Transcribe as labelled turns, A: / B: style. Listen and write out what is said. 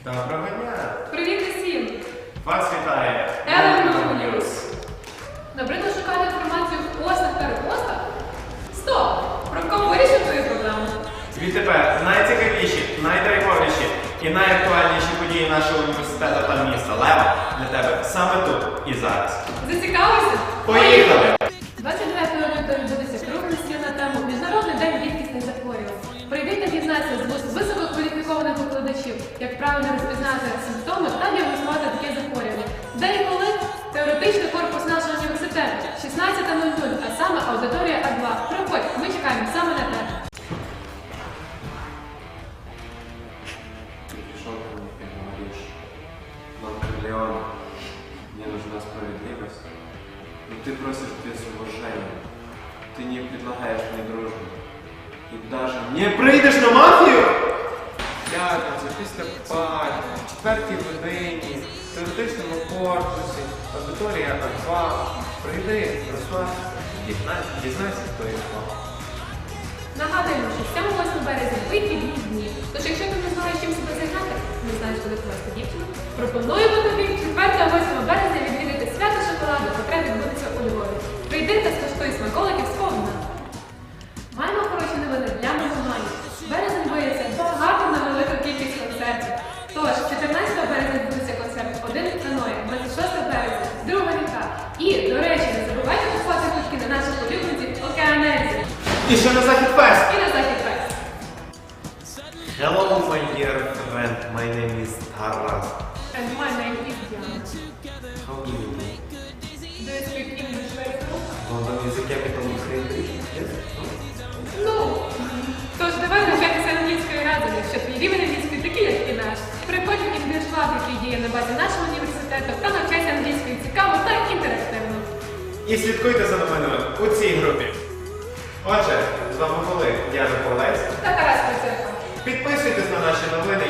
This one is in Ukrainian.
A: Доброго дня!
B: Привіт усім!
A: Вас вітає
B: LMU News! Набридло шукати інформацію в постах та репостах? Стоп! Про кого вирішив твою проблему?
A: Відтепер найцікавіші, найдрайвовіші і найактуальніші події нашого університету та міста Лева для тебе саме тут і зараз.
B: Зацікавився?
A: Поїхали!
B: 29 лютого відбудеться круглий стіл на тему «Міжнародний день рідкісних захворювань». Прийди та дізнайся з вуст висококваліфікованих викладачів, як правильно розпізнати симптоми та діагностувати таке захворювання. Де і коли? Теоретичний корпус нашого університету, 16:00, а саме аудиторія А2. Приходь, ми чекаємо саме на тебе.
C: Ты пришел ко мне и говоришь: Дон Корлеоне, мне нужна справедливость, но ты просишь без уважения, ты не предлагаешь мне дружбу и даже не прийдеш на мафію?
D: П'ятниця, після пари, в четвертій годині, в теоретичному корпусі, аудиторія А2. Прийди, розслабся, дізнайся, хто є хто.
B: Нагадуємо, що 7-8 березня вихідні дні. Тож, якщо ти не знаєш, чим себе зайняти, не знаєш, куди повести дівчину, пропонуємо тобі 4-8 березня відвідати свято шоколаду, котре відбудеться у Львові. Прийди та скуштуй смаколиків сповна. Маємо хороші новини для меломанів. Березень виявиться багато на велику кількість концертів. Тож, 14 березня відбудеться концерт «Один каної», 26 березня, друга ріка. І, до речі, не забувайте купувати квитки на наших улюбленців Океанельзі.
A: І ще на Захід Фест!
B: І на Захід Фест.
E: Hello, my dear friend. My name is Taras.
B: And my name is Diana.
E: How do you do?
B: Do you speak English very well?
E: London is the capital of Great Britain. Yes?
B: Ну, тож давай навчатися англійської разом, якщо твій рівень англійської такий, як і наш. Приходь в English Lab, який діє на базі нашого університету, та навчайся англійською цікаво та інтерактивно.
A: І слідкуйте за новинами у цій групі. Отже, з вами були Яна Полець.
B: Та Тарас Пацерко.
A: Підписуйтесь на наші новини